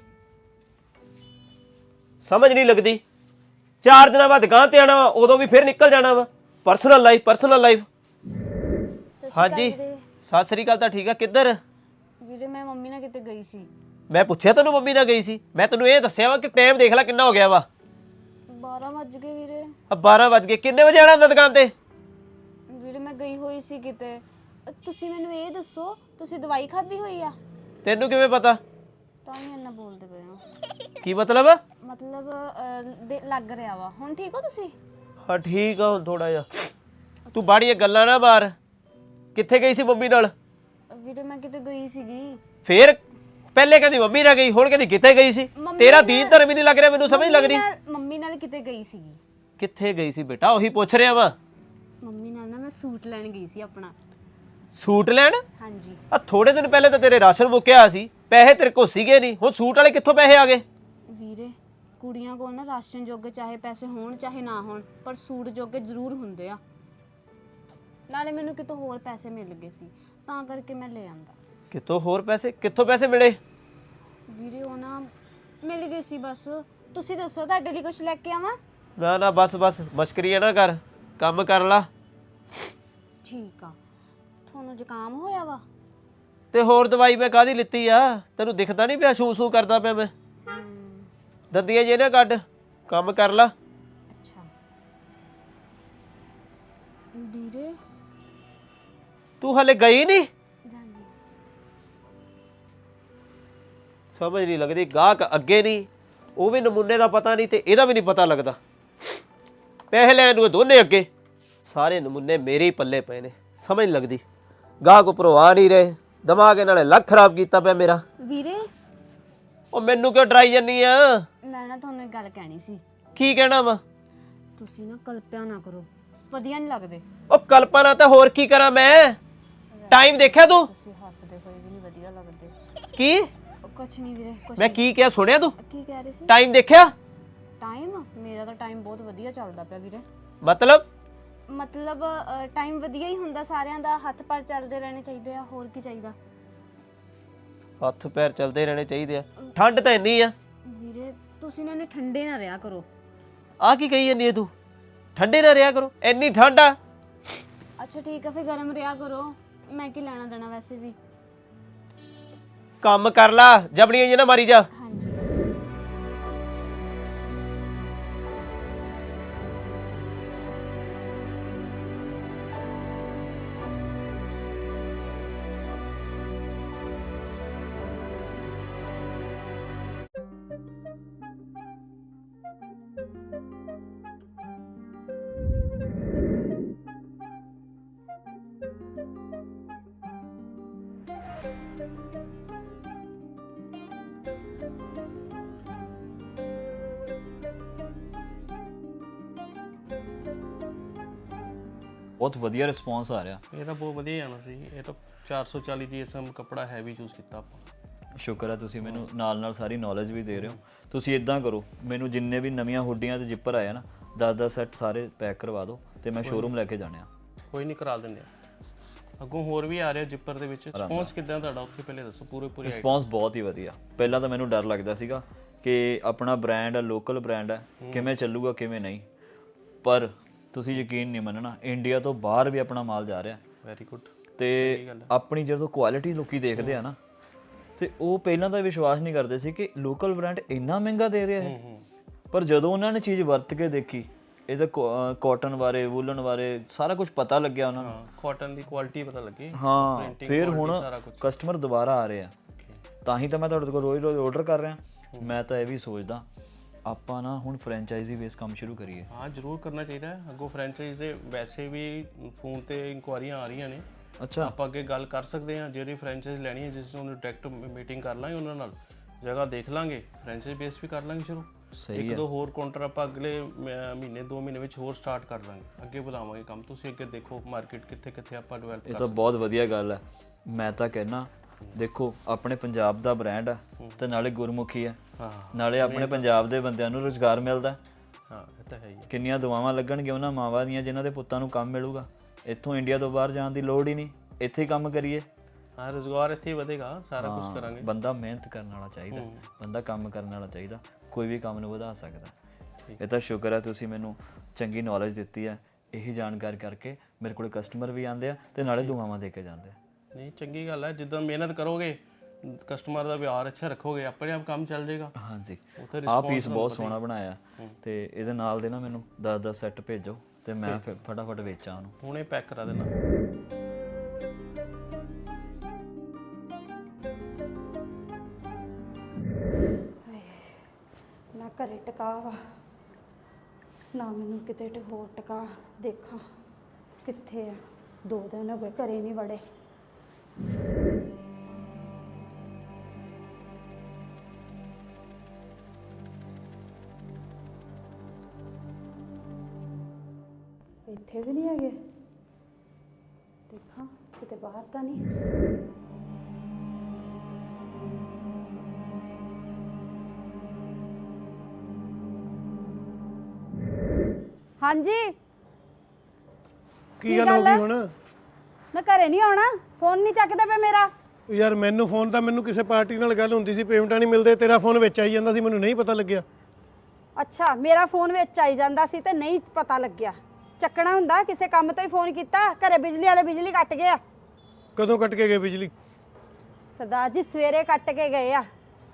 S1: ਸਮਝ ਨਹੀਂ ਲੱਗਦੀ। 4 ਦਿਨਾਂ ਬਾਅਦ ਦੁਕਾਨ ਤੇ ਆਣਾ ਵਾ, ਉਦੋਂ ਵੀ ਫਿਰ ਨਿਕਲ ਜਾਣਾ ਵਾ। Personal life. ਹਾਂਜੀ ਸਤਿ ਸ੍ਰੀ ਅਕਾਲ। ਤਾਂ ਠੀਕ ਆ, ਕਿੱਧਰ?
S4: ਵੀਰੇ ਮੈਂ ਮੰਮੀ ਨਾਲ ਕਿਤੇ ਗਈ ਸੀ।
S1: ਮੈਂ ਪੁੱਛਿਆ ਤੈਨੂੰ ਮੰਮੀ ਨਾਲ ਗਈ ਸੀ? ਮੈਂ ਤੈਨੂੰ ਇਹ ਦੱਸਿਆ ਵਾ ਕਿ ਟਾਈਮ ਦੇਖ ਲੈ ਕਿੰਨਾ ਹੋ ਗਿਆ ਵਾ।
S4: 12 ਵੱਜ ਗਏ ਵੀਰੇ।
S1: 12 ਵੱਜ ਗਏ। ਕਿੰਨੇ ਵਜੇ ਆਣਾ ਹੁੰਦਾ ਦੁਕਾਨ ਤੇ?
S4: ਵੀਰੇ ਮੈਂ ਗਈ ਹੋਈ ਸੀ ਕਿਤੇ। ਤੁਸੀਂ ਮੈਨੂੰ ਇਹ ਦੱਸੋ ਤੁਸੀਂ ਦਵਾਈ ਖਾਧੀ ਹੋਈ ਆ?
S1: ਤੈਨੂੰ ਕਿਵੇਂ ਪਤਾ?
S4: ਤਾਂ ਹੀ ਇੰਨਾ ਬੋਲਦੇ ਪਏ ਹੋ।
S1: ਕੀ ਮਤਲਬ?
S4: ਮਤਲਬ ਲੱਗ ਰਿਹਾ ਵਾ। ਹੁਣ ਠੀਕ ਹੋ ਤੁਸੀਂ?
S1: ਹਾਂ ਠੀਕ ਆ ਹੁਣ ਥੋੜਾ ਜਿਹਾ। ਤੂੰ ਬਾੜੀਆਂ ਗੱਲਾਂ ਨਾ ਮਾਰ। ਕਿੱਥੇ ਗਈ ਸੀ ਮੰਮੀ ਨਾਲ?
S4: ਵੀਰੇ ਮੈਂ ਕਿਤੇ ਗਈ ਸੀਗੀ।
S1: ਫੇਰ ਪਹਿਲੇ ਕਹਿੰਦੀ ਮੰਮੀ ਨਾਲ ਗਈ, ਹੁਣ ਕਹਿੰਦੀ ਕਿੱਥੇ ਗਈ ਸੀ? ਤੇਰਾ ਦੀਨ ਧਰਮ ਹੀ ਨਹੀਂ ਲੱਗ ਰਿਹਾ ਮੈਨੂੰ, ਸਮਝ ਲੱਗ ਰਹੀ।
S4: ਮੰਮੀ ਨਾਲ ਕਿਤੇ ਗਈ ਸੀਗੀ।
S1: ਕਿੱਥੇ ਗਈ ਸੀ ਬੇਟਾ? ਉਹੀ ਪੁੱਛ ਰਿਹਾ ਵਾ।
S4: ਮੰਮੀ ਨਾਲ ਨਾ ਮੈਂ ਸੂਟ ਲੈਣ ਗਈ ਸੀ ਆਪਣਾ।
S1: ਸੂਟ ਲੈਣ?
S4: ਹਾਂਜੀ।
S1: ਆ ਥੋੜੇ ਦਿਨ ਪਹਿਲੇ ਤਾਂ ਤੇਰੇ ਰਾਸ਼ਨ ਮੁੱਕਿਆ ਸੀ, ਪੈਸੇ ਤੇਰੇ ਕੋਲ ਸੀਗੇ ਨਹੀਂ, ਹੁਣ ਸੂਟ ਵਾਲੇ ਕਿੱਥੋਂ ਪੈਸੇ ਆ ਗਏ?
S4: ਵੀਰੇ ਕੁੜੀਆਂ ਕੋਲ ਨਾ ਰਾਸ਼ਨ ਜੋਗੇ ਚਾਹੇ ਪੈਸੇ ਹੋਣ ਚਾਹੇ ਨਾ ਹੋਣ, ਪਰ ਸੂਟ ਜੋਗੇ ਜ਼ਰੂਰ ਹੁੰਦੇ ਆ। ਨਾਲੇ ਮੈਨੂੰ ਕਿਤੋਂ ਹੋਰ ਪੈਸੇ ਮਿਲ ਗਏ ਸੀ ਤਾਂ ਕਰਕੇ ਮੈਂ ਲੈ ਆਂਦਾ।
S1: ਕਿੱਥੋਂ ਹੋਰ ਪੈਸੇ? ਕਿੱਥੋਂ ਪੈਸੇ ਮਿਲੇ?
S4: ਵੀਰੇ ਉਹ ਨਾ ਮਿਲ ਗਏ ਸੀ ਬਸ। ਤੁਸੀਂ ਦੱਸੋ ਤੁਹਾਡੇ ਲਈ ਕੁਝ ਲੈ ਕੇ ਆਵਾਂ?
S1: ਨਾ ਨਾ ਬਸ ਬਸ ਮਸ਼ਕਰੀਆਂ ਨਾ ਕਰ, ਕੰਮ ਕਰ ਲਾ।
S4: ਠੀਕ ਆ। ਤੁਹਾਨੂੰ ਜ਼ੁਕਾਮ ਹੋਇਆ ਵਾ?
S1: ਤੇ ਹੋਰ ਦਵਾਈ ਮੈਂ ਕਾਹਦੀ ਲਿੱਤੀ ਆ? ਤੈਨੂੰ ਦਿਖਦਾ ਨਹੀਂ ਪਿਆ ਸ਼ੂ ਸ਼ੂ ਕਰਦਾ ਪਿਆ ਮੈਂ? ਦੰਦੀਆਂ ਜੇ ਨਾ ਕੱਢ, ਕੰਮ ਕਰ ਲਾ।
S4: ਅੱਛਾ ਵੀਰੇ
S1: ਤੂੰ ਹਲੇ ਗਈ ਨਹੀਂ?
S4: ਜਾਂਦੀ।
S1: ਸਮਝ ਨਹੀਂ ਲੱਗਦੀ। ਗਾਹਕ ਅੱਗੇ ਨਹੀਂ, ਉਹ ਵੀ ਨਮੂਨੇ ਦਾ ਪਤਾ ਨਹੀਂ ਤੇ ਇਹਦਾ ਵੀ ਨਹੀਂ ਪਤਾ ਲੱਗਦਾ। ਪੈਸੇ ਲੈਣ ਨੂੰ ਇਹ ਦੋਨੇ ਅੱਗੇ, ਸਾਰੇ ਨਮੂਨੇ ਮੇਰੇ ਹੀ ਪੱਲੇ ਪਏ ਨੇ। ਸਮਝ ਨਹੀਂ ਲੱਗਦੀ। ਗਾਹਕ ਉੱਪਰੋਂ ਆ ਨਹੀਂ ਰਹੇ, ਦਿਮਾਗ ਨਾਲੇ ਲੱਖ ਖਰਾਬ ਕੀਤਾ ਪਿਆ ਮੇਰਾ।
S4: ਵੀਰੇ
S1: ਉਹ ਮੈਨੂੰ ਕਿਉਂ ਡਰਾਈ ਜਾਨੀ ਆ?
S4: ਮੈਂ ਨਾ ਤੁਹਾਨੂੰ ਇੱਕ ਗੱਲ ਕਹਿਣੀ ਸੀ।
S1: ਕੀ ਕਹਿਣਾ ਵਾ?
S4: ਤੁਸੀਂ ਨਾ ਕਲਪਿਆ ਨਾ ਕਰੋ, ਵਧੀਆ ਨਹੀਂ ਲੱਗਦੇ।
S1: ਉਹ ਕਲਪਨਾ ਤਾਂ ਹੋਰ ਕੀ ਕਰਾਂ ਮੈਂ? ਟਾਈਮ ਦੇਖਿਆ ਤੂੰ?
S4: ਤੁਸੀਂ ਹੱਸਦੇ ਹੋਏ ਵੀ ਨਹੀਂ ਵਧੀਆ ਲੱਗਦੇ।
S1: ਕੀ?
S4: ਕੁਛ ਨਹੀਂ ਵੀਰੇ ਕੁਛ
S1: ਮੈਂ ਕੀ ਕਿਹਾ ਸੁਣਿਆ ਤੂੰ?
S4: ਕੀ ਕਹਿ ਰਹੇ ਸੀ?
S1: ਟਾਈਮ ਦੇਖਿਆ?
S4: ਟਾਈਮ ਮੇਰਾ ਤਾਂ ਟਾਈਮ ਬਹੁਤ ਵਧੀਆ ਚੱਲਦਾ ਪਿਆ ਵੀਰੇ।
S1: ਮਤਲਬ
S4: ਟਾਈਮ ਵਧੀਆ ਹੀ ਹੁੰਦਾ ਸਾਰਿਆਂ ਦਾ, ਹੱਥ ਪੈਰ ਚੱਲਦੇ ਰਹਿਣੇ ਚਾਹੀਦੇ ਆ, ਹੋਰ ਕੀ ਚਾਹੀਦਾ।
S1: ਹੱਥ ਪੈਰ ਚੱਲਦੇ ਰਹਿਣੇ ਚਾਹੀਦੇ ਆ। ਠੰਡ ਤਾਂ ਇੰਨੀ ਆ
S4: ਵੀਰੇ ਤੁਸੀਂ ਨਾ ਠੰਡੇ ਨਾ ਰਿਹਾ ਕਰੋ।
S1: ਆ ਕੀ ਕਹੀ ਜਾਂਦੀ ਹੈ ਤੂੰ? ਠੰਡੇ ਨਾ ਰਿਹਾ ਕਰੋ? ਇੰਨੀ ਠੰਡ ਆ?
S4: ਅੱਛਾ ਠੀਕ ਆ ਫਿਰ ਗਰਮ ਰਿਹਾ ਕਰੋ। ਮੈਂ ਕੀ ਲੈਣਾ ਦੇਣਾ ਵੈਸੇ ਵੀ।
S1: ਕੰਮ ਕਰ ਲਾ, ਜਬੜੀਆਂ ਜੇ ਨਾ ਮਾਰੀ ਜਾ।
S4: ਹਾਂਜੀ
S5: ਬਹੁਤ ਵਧੀਆ ਰਿਸਪੌਂਸ ਆ ਰਿਹਾ।
S2: ਇਹ ਤਾਂ ਬਹੁਤ ਵਧੀਆ ਜਾਣਾ ਸੀ। ਇਹ ਤਾਂ 440 GSM ਕੱਪੜਾ ਹੈਵੀ ਚੂਜ਼ ਕੀਤਾ ਆਪਾਂ।
S5: ਸ਼ੁਕਰ ਹੈ ਤੁਸੀਂ ਮੈਨੂੰ ਨਾਲ ਸਾਰੀ ਨੌਲੇਜ ਵੀ ਦੇ ਰਹੇ ਹੋ। ਤੁਸੀਂ ਇਦਾਂ ਕਰੋ, ਮੈਨੂੰ ਜਿੰਨੇ ਵੀ ਨਵੀਆਂ ਹੁੱਡੀਆਂ ਤੇ ਜਿੱਪਰ ਆਏ ਨਾ 10-10 ਸੈੱਟ ਸਾਰੇ ਪੈਕ ਕਰਵਾ ਦਿਓ ਤੇ ਮੈਂ ਸ਼ੋਰੂਮ ਲੈ ਕੇ ਜਾਣਿਆ।
S2: ਕੋਈ ਨਹੀਂ ਕਰਾ ਦਿੰਦੇ ਆ। ਅੱਗੋਂ ਹੋਰ ਵੀ ਆ ਰਿਹਾ ਜਿੱਪਰ ਦੇ ਵਿੱਚ। ਰਿਸਪੌਂਸ ਕਿਦਾਂ ਤੁਹਾਡਾ ਉੱਥੇ ਪਹਿਲੇ ਦੱਸੋ ਪੂਰੀ
S5: ਰਿਸਪੌਂਸ ਬਹੁਤ ਹੀ ਵਧੀਆ। ਪਹਿਲਾਂ ਤਾਂ ਮੈਨੂੰ ਡਰ ਲੱਗਦਾ ਸੀਗਾ ਕਿ ਆਪਣਾ ਬ੍ਰਾਂਡ ਹੈ, ਲੋਕਲ ਬ੍ਰਾਂਡ ਹੈ, ਕਿਵੇਂ ਚੱਲੂਗਾ ਕਿਵੇਂ ਨਹੀਂ, ਪਰ ਤੁਸੀਂ ਯਕੀਨ ਨਹੀਂ ਮੰਨਣਾ, ਇੰਡੀਆ ਤੋਂ ਬਾਹਰ ਵੀ ਆਪਣਾ ਮਾਲ ਜਾ ਰਿਹਾ।
S2: Very good.
S5: ਤੇ ਆਪਣੀ ਜਦੋਂ ਕੁਆਲਿਟੀ ਲੋਕੀ ਦੇਖਦੇ ਆ ਨਾ ਤੇ ਉਹ ਪਹਿਲਾਂ ਤਾਂ ਵਿਸ਼ਵਾਸ ਨਹੀਂ ਕਰਦੇ ਸੀ ਕਿ ਲੋਕਲ ਬ੍ਰਾਂਡ ਇੰਨਾ ਮਹਿੰਗਾ ਦੇ ਰਿਹਾ ਹੈ। ਪਰ ਜਦੋਂ ਉਹਨਾਂ ਨੇ ਚੀਜ਼ ਵਰਤ ਕੇ ਦੇਖੀ, ਇਹਦਾ ਕਾਟਨ ਬਾਰੇ, ਵੂਲਨ ਬਾਰੇ ਸਾਰਾ ਕੁਝ ਪਤਾ ਲੱਗਿਆ ਉਹਨਾਂ ਨੂੰ।
S2: ਕਾਟਨ ਦੀ ਕੁਆਲਿਟੀ ਪਤਾ ਲੱਗੀ।
S5: ਹਾਂ ਫਿਰ ਹੁਣ ਕਸਟਮਰ ਦੁਬਾਰਾ ਆ ਰਹੇ ਆ। ਤਾਂ ਹੀ ਤਾਂ ਮੈਂ ਤੁਹਾਡੇ ਕੋਲ ਰੋਜ਼ ਆਰਡਰ ਕਰ ਰਿਹਾ। ਮੈਂ ਤਾਂ ਇਹ ਵੀ ਸੋਚਦਾ ਆਪਾਂ ਨਾ ਹੁਣ ਫਰੈਂਚਾਈਜ਼ੀ ਬੇਸ ਕੰਮ ਸ਼ੁਰੂ ਕਰੀਏ।
S2: ਹਾਂ ਜ਼ਰੂਰ ਕਰਨਾ ਚਾਹੀਦਾ ਹੈ। ਅੱਗੋਂ ਫਰੈਂਚਾਈਜ਼ ਦੇ ਵੈਸੇ ਵੀ ਫੋਨ ਤੇ ਇਨਕੁਆਰੀਆਂ ਆ ਰਹੀਆਂ ਨੇ।
S5: ਅੱਛਾ
S2: ਆਪਾਂ ਅੱਗੇ ਗੱਲ ਕਰ ਸਕਦੇ ਹਾਂ। ਜਿਹੜੀ ਫਰੈਂਚਾਈਜ਼ ਲੈਣੀ ਹੈ ਜਿਸ ਨੂੰ ਡਾਇਰੈਕਟ ਮੀਟਿੰਗ ਕਰ ਲਾਂਗੇ ਉਹਨਾਂ ਨਾਲ, ਜਗ੍ਹਾ ਦੇਖ ਲਾਂਗੇ, ਫਰੈਂਚਾਈਜ਼ ਬੇਸ ਵੀ ਕਰ ਲਾਂਗੇ ਸ਼ੁਰੂ। ਇੱਕ ਦੋ ਹੋਰ ਕਾਊਂਟਰ ਆਪਾਂ ਅਗਲੇ ਮਹੀਨੇ 2 ਮਹੀਨੇ ਵਿੱਚ ਹੋਰ ਸਟਾਰਟ ਕਰ ਲਾਂਗੇ। ਅੱਗੇ ਬੁਲਾਵਾਂਗੇ ਕੰਮ। ਤੁਸੀਂ ਅੱਗੇ ਦੇਖੋ ਮਾਰਕੀਟ ਕਿੱਥੇ ਕਿੱਥੇ ਆਪਾਂ ਡਿਵੈਲਪ ਕਰ।
S5: ਇਹ ਤਾਂ ਬਹੁਤ ਵਧੀਆ ਗੱਲ ਹੈ। ਮੈਂ ਤਾਂ ਕਹਿਣਾ ਦੇਖੋ ਆਪਣੇ ਪੰਜਾਬ ਦਾ ਬ੍ਰਾਂਡ ਹੈ ਤੇ ਨਾਲੇ ਗੁਰਮੁਖੀ ਹੈ, ਨਾਲੇ ਆਪਣੇ ਪੰਜਾਬ ਦੇ ਬੰਦਿਆਂ ਨੂੰ ਰੁਜ਼ਗਾਰ ਮਿਲਦਾ।
S2: ਹਾਂ ਇਹ ਤਾਂ ਹੈ ਹੀ।
S5: ਕਿੰਨੀਆਂ ਦੁਆਵਾਂ ਲੱਗਣਗੀਆਂ ਉਹਨਾਂ ਮਾਵਾਂ ਦੀਆਂ ਜਿਨ੍ਹਾਂ ਦੇ ਪੁੱਤਾਂ ਨੂੰ ਕੰਮ ਮਿਲੂਗਾ। ਇੱਥੋਂ ਇੰਡੀਆ ਤੋਂ ਬਾਹਰ ਜਾਣ ਦੀ ਲੋੜ ਹੀ ਨਹੀਂ, ਇੱਥੇ ਹੀ ਕੰਮ ਕਰੀਏ।
S2: ਹਾਂ ਰੁਜ਼ਗਾਰ ਇੱਥੇ ਹੀ ਵਧੇਗਾ, ਸਾਰਾ ਕੁਝ ਕਰਾਂਗੇ।
S5: ਬੰਦਾ ਮਿਹਨਤ ਕਰਨ ਵਾਲਾ ਚਾਹੀਦਾ, ਬੰਦਾ ਕੰਮ ਕਰਨ ਵਾਲਾ ਚਾਹੀਦਾ, ਕੋਈ ਵੀ ਕੰਮ ਨੂੰ ਵਧਾ ਸਕਦਾ। ਇਹ ਤਾਂ ਸ਼ੁਕਰ ਹੈ ਤੁਸੀਂ ਮੈਨੂੰ ਚੰਗੀ ਨੌਲੇਜ ਦਿੱਤੀ ਹੈ। ਇਹੀ ਜਾਣਕਾਰੀ ਕਰਕੇ ਮੇਰੇ ਕੋਲ ਕਸਟਮਰ ਵੀ ਆਉਂਦੇ ਆ ਤੇ ਨਾਲੇ ਦੁਆਵਾਂ ਦੇ ਕੇ ਜਾਂਦੇ ਆ।
S2: ਨਹੀਂ ਚੰਗੀ ਗੱਲ ਹੈ, ਜਿੱਦਾਂ ਮਿਹਨਤ ਕਰੋਗੇ ਕਸਟਮਰ ਦਾ ਵਿਹਾਰ ਅੱਛਾ ਰੱਖੋਗੇ ਆਪਣੇ ਆਪ ਕੰਮ ਚੱਲ ਜਾਏਗਾ।
S5: ਹਾਂਜੀ
S2: ਉੱਥੇ
S5: ਆਹ ਪੀਸ ਬਹੁਤ ਸੋਹਣਾ ਬਣਾਇਆ ਤੇ ਇਹਦੇ ਨਾਲ ਦੇ ਨਾ ਮੈਨੂੰ 10-10 ਸੈੱਟ ਭੇਜੋ ਤੇ ਮੈਂ ਫਿਰ ਫਟਾਫਟ ਵੇਚਾਂ ਉਹਨੂੰ।
S2: ਹੁਣੇ ਪੈਕ ਕਰਾ ਦੇਣਾ।
S6: ਨਾ ਘਰੇ ਟਿਕਾ ਵਾ ਨਾ ਮੈਨੂੰ ਕਿਤੇ ਹੋਰ ਟਿਕਾ, ਦੇਖਾਂ ਕਿੱਥੇ ਆ। 2 ਦਿਨ ਹੋ ਗਏ ਘਰੇ ਨਹੀਂ ਵੜੇ। ਇੱਥੇ ਵੀ ਨਹੀਂ ਹੈਗੇ, ਦੇਖਾਂ ਕਿਤੇ ਬਾਹਰ ਤਾਂ ਨਹੀਂ। ਹਾਂਜੀ
S7: ਕੀ ਗੱਲ ਹੋ ਗਈ ਹੁਣ?
S6: ਮੈਂ ਘਰੇ ਨਹੀਂ ਆਉਣਾ, ਫੋਨ ਨਹੀਂ ਚੱਕਦਾ ਪਿਆ ਮੇਰਾ।
S7: ਯਾਰ ਮੈਨੂੰ ਫੋਨ ਤਾਂ ਮੈਨੂੰ ਕਿਸੇ ਪਾਰਟੀ ਨਾਲ ਗੱਲ ਹੁੰਦੀ ਸੀ, ਪੇਮੈਂਟਾਂ ਨਹੀਂ ਮਿਲਦੇ, ਤੇਰਾ ਫੋਨ ਵਿੱਚ ਆਈ ਜਾਂਦਾ ਸੀ, ਮੈਨੂੰ ਨਹੀਂ ਪਤਾ ਲੱਗਿਆ।
S6: ਅੱਛਾ ਮੇਰਾ ਫੋਨ ਵਿੱਚ ਆਈ ਜਾਂਦਾ ਸੀ ਤੇ ਨਹੀਂ ਪਤਾ ਲੱਗਿਆ। ਚੱਕਣਾ ਹੁੰਦਾ, ਕਿਸੇ ਕੰਮ ਤੋਂ ਹੀ ਫੋਨ ਕੀਤਾ। ਘਰੇ ਬਿਜਲੀ ਵਾਲੇ ਬਿਜਲੀ ਕੱਟ ਗਏ ਆ।
S7: ਕਦੋਂ ਕੱਟ ਕੇ ਗਏ ਬਿਜਲੀ?
S6: ਸਰਦਾਰ ਜੀ ਸਵੇਰੇ ਕੱਟ ਕੇ ਗਏ ਆ।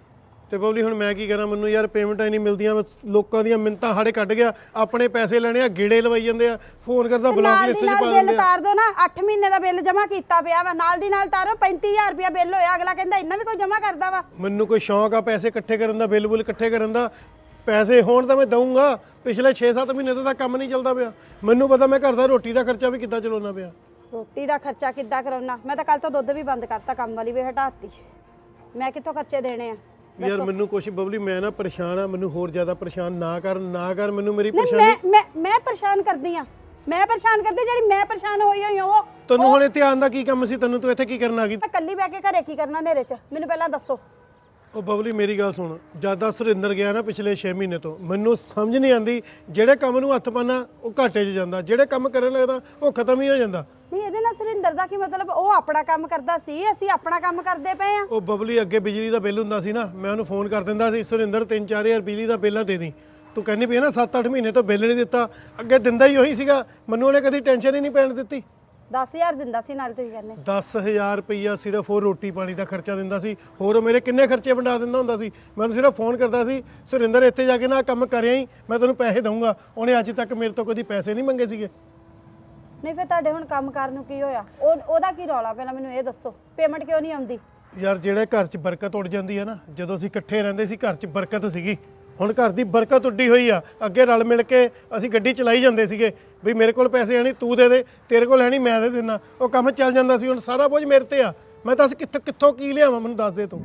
S7: ਤੇ ਬਬਲੀ ਹੁਣ ਮੈਂ ਕੀ ਕਰਾਂ? ਮੈਨੂੰ ਯਾਰ ਪੇਮੈਂਟਾਂ ਹੀ ਨਹੀਂ ਮਿਲਦੀਆਂ, ਮੈਂ ਲੋਕਾਂ ਦੀਆਂ ਮਿੰਤਾਂ ਹਾੜੇ ਕੱਢ ਗਿਆ, ਆਪਣੇ ਪੈਸੇ ਲੈਣੇ ਆ, ਗੇੜੇ ਲਵਾਈ ਜਾਂਦੇ ਆ, ਫੋਨ ਕਰਦਾ ਬਲੌਕ ਲਿਸਟ 'ਚ ਪਾ
S6: ਬਿੱਲ
S7: ਦਿੰਦੇ ਆ।
S6: ਤਾਰ ਦੋ ਨਾ, 8 ਮਹੀਨੇ ਦਾ ਬਿੱਲ ਜਮਾ ਕੀਤਾ ਪਿਆ ਵਾ, ਨਾਲ ਦੀ ਨਾਲ ਤਾਰੋ। 35000 ਰੁਪਇਆ ਬਿੱਲ ਹੋਇਆ, ਅਗਲਾ ਕਹਿੰਦਾ ਇੰਨਾ ਵੀ ਕੋਈ ਜਮਾ ਕਰਦਾ ਵਾ।
S7: ਮੈਨੂੰ ਕੋਈ ਸ਼ੌਂਕ ਆ ਪੈਸੇ ਇਕੱਠੇ ਕਰਨ ਦਾ, ਬਿੱਲ ਬੁੱਲ ਇਕੱਠੇ ਕਰਨ ਦਾ? ਪੈਸੇ ਹੋਣ ਤਾਂ ਮੈਂ ਦਊਂਗਾ। ਪਿਛਲੇ 6-7 ਮਹੀਨੇ ਤੋਂ ਤਾਂ ਕੰਮ ਨਹੀਂ ਚੱਲਦਾ ਪਿਆ। ਮੈਨੂੰ ਪਤਾ ਮੈਂ ਘਰ ਦਾ ਰੋਟੀ ਦਾ ਖਰਚਾ ਵੀ ਕਿੱਦਾਂ ਚਲਾਉਣਾ ਪਿਆ।
S6: ਰੋਟੀ ਦਾ ਖਰਚਾ ਕਿੱਦਾਂ ਕਰਾਉਣਾ? ਮੈਂ ਤਾਂ ਕੱਲ ਤੋਂ ਦੁੱਧ ਵੀ ਬੰਦ ਕਰਤਾ, ਕੰਮ ਵਾਲੀ ਵੀ ਹਟਾਤੀ। ਮੈਂ ਕਿੱਥੋਂ ਖਰਚੇ ਦੇਣੇ ਆ?
S7: ਯਾਰ ਮੈਨੂੰ ਕੁਛ ਬਬਲੀ, ਮੈਂ ਨਾ ਪਰੇਸ਼ਾਨ ਆ, ਮੈਨੂੰ ਹੋਰ ਜ਼ਿਆਦਾ ਪਰੇਸ਼ਾਨ ਨਾ ਕਰ ਮੈਨੂੰ ਮੇਰੀ
S6: ਨਹੀਂ
S7: ਪਰੇਸ਼ਾਨੀ।
S6: ਮੈਂ ਪਰੇਸ਼ਾਨ ਕਰਦੀ ਆ, ਮੈਂ ਪਰੇਸ਼ਾਨ ਕਰਦੀ। ਜਿਹੜੀ ਮੈਂ ਪਰੇਸ਼ਾਨ ਹੋਈ ਹੋਈ ਹਾਂ ਉਹ
S7: ਤੈਨੂੰ ਹੁਣ ਧਿਆਨ ਦਾ ਕੀ ਕੰਮ ਸੀ? ਤੈਨੂੰ ਤੂੰ ਇੱਥੇ ਕੀ ਕਰਨ ਆ ਗਈ?
S6: ਮੈਂ ਇਕੱਲੀ ਬਹਿ ਕੇ ਘਰੇ ਕੀ ਕਰਨਾ ਹਨੇਰੇ 'ਚ? ਮੈਨੂੰ ਪਹਿਲਾਂ ਦੱਸੋ।
S7: ਉਹ ਬਬਲੀ ਮੇਰੀ ਗੱਲ ਸੁਣ, ਜਿਆਦਾ ਸੁਰਿੰਦਰ ਗਿਆ ਨਾ ਪਿਛਲੇ 6 ਮਹੀਨੇ ਤੋਂ, ਮੈਨੂੰ ਸਮਝ ਨਹੀਂ ਆਉਂਦੀ, ਜਿਹੜੇ ਕੰਮ ਨੂੰ ਹੱਥ ਪਾਣਾ ਉਹ ਘਾਟੇ 'ਚ ਜਾਂਦਾ, ਜਿਹੜੇ ਕੰਮ ਕਰਨ ਲੱਗਦਾ ਉਹ ਖਤਮ ਹੀ ਹੋ ਜਾਂਦਾ।
S6: ਨਹੀਂ ਇਹਦੇ ਨਾਲ ਸੁਰਿੰਦਰ ਦਾ ਕੀ ਮਤਲਬ? ਉਹ ਆਪਣਾ ਕੰਮ ਕਰਦਾ ਸੀ, ਅਸੀਂ ਆਪਣਾ ਕੰਮ ਕਰਦੇ ਪਏ ਆ।
S7: ਉਹ ਬਬਲੀ ਅੱਗੇ ਬਿਜਲੀ ਦਾ ਬਿੱਲ ਹੁੰਦਾ ਸੀ ਨਾ, ਮੈਂ ਉਹਨੂੰ ਫੋਨ ਕਰ ਦਿੰਦਾ ਸੀ, ਸੁਰਿੰਦਰ 3-4 ਹਜ਼ਾਰ ਬਿਜਲੀ ਦਾ ਬਿੱਲ ਦੇ ਦੀ। ਤੂੰ ਕਹਿੰਦੀ ਪਈ ਨਾ 7-8 ਮਹੀਨੇ ਤੋਂ ਬਿੱਲ ਨਹੀਂ ਦਿੱਤਾ, ਅੱਗੇ ਦਿੰਦਾ ਹੀ ਉਹੀ ਸੀਗਾ, ਮੈਨੂੰ ਉਹਨੇ ਕਦੀ ਟੈਨਸ਼ਨ ਹੀ ਨਹੀਂ ਪੈਣ ਦਿੱਤੀ।
S6: 10000 ਦਿੰਦਾ ਸੀ ਨਾਲ, ਤੁਸੀਂ ਕਹਿੰਦੇ
S7: 10000 ਰੁਪਈਆ ਸਿਰਫ ਉਹ ਰੋਟੀ ਪਾਣੀ ਦਾ ਖਰਚਾ ਦਿੰਦਾ ਸੀ, ਹੋਰ ਉਹ ਮੇਰੇ ਕਿੰਨੇ ਖਰਚੇ ਵੰਡਾ ਦਿੰਦਾ ਹੁੰਦਾ ਸੀ। ਮੈਂ ਉਹਨੂੰ ਸਿਰਫ ਫੋਨ ਕਰਦਾ ਸੀ, ਸੁਰਿੰਦਰ ਇੱਥੇ ਜਾ ਕੇ ਨਾ ਕੰਮ ਕਰਿਆ ਹੀ, ਮੈਂ ਤੈਨੂੰ ਪੈਸੇ ਦਊਂਗਾ। ਉਹਨੇ ਅੱਜ ਤੱਕ ਮੇਰੇ ਤੋਂ ਕਦੀ ਪੈਸੇ ਨਹੀਂ ਮੰਗੇ ਸੀਗੇ।
S6: ਨਹੀਂ ਫਿਰ ਤੁਹਾਡੇ ਹੁਣ ਕੰਮ ਕਰਨ ਨੂੰ ਕੀ ਹੋਇਆ? ਉਹਦਾ ਕੀ ਰੌਲਾ? ਪਹਿਲਾਂ ਮੈਨੂੰ ਇਹ ਦੱਸੋ, ਪੇਮੈਂਟ ਕਿਉਂ ਨਹੀਂ ਆਉਂਦੀ?
S7: ਯਾਰ ਜਿਹੜੇ ਘਰ 'ਚ ਬਰਕਤ ਉੱਡ ਜਾਂਦੀ ਹੈ ਨਾ, ਜਦੋਂ ਅਸੀਂ ਇਕੱਠੇ ਰਹਿੰਦੇ ਸੀ ਘਰ 'ਚ ਬਰਕਤ ਸੀਗੀ, ਹੁਣ ਘਰ ਦੀ ਬਰਕਤ ਉੱਡੀ ਹੋਈ ਆ। ਅੱਗੇ ਰਲ ਮਿਲ ਕੇ ਅਸੀਂ ਗੱਡੀ ਚਲਾਈ ਜਾਂਦੇ ਸੀਗੇ, ਵੀ ਮੇਰੇ ਕੋਲ ਪੈਸੇ ਹੈ ਨਹੀਂ ਤੂੰ ਦੇ ਦੇ, ਤੇਰੇ ਕੋਲ ਹੈ ਨਹੀਂ ਮੈਂ ਦੇ ਦਿੰਦਾ, ਉਹ ਕੰਮ ਚੱਲ ਜਾਂਦਾ ਸੀ। ਹੁਣ ਸਾਰਾ ਬੋਝ ਮੇਰੇ ਤੇ ਆ, ਮੈਂ ਦੱਸ ਕਿੱਥੋਂ ਕੀ ਲਿਆਵਾਂ? ਮੈਨੂੰ ਦੱਸ ਦੇ ਤੂੰ।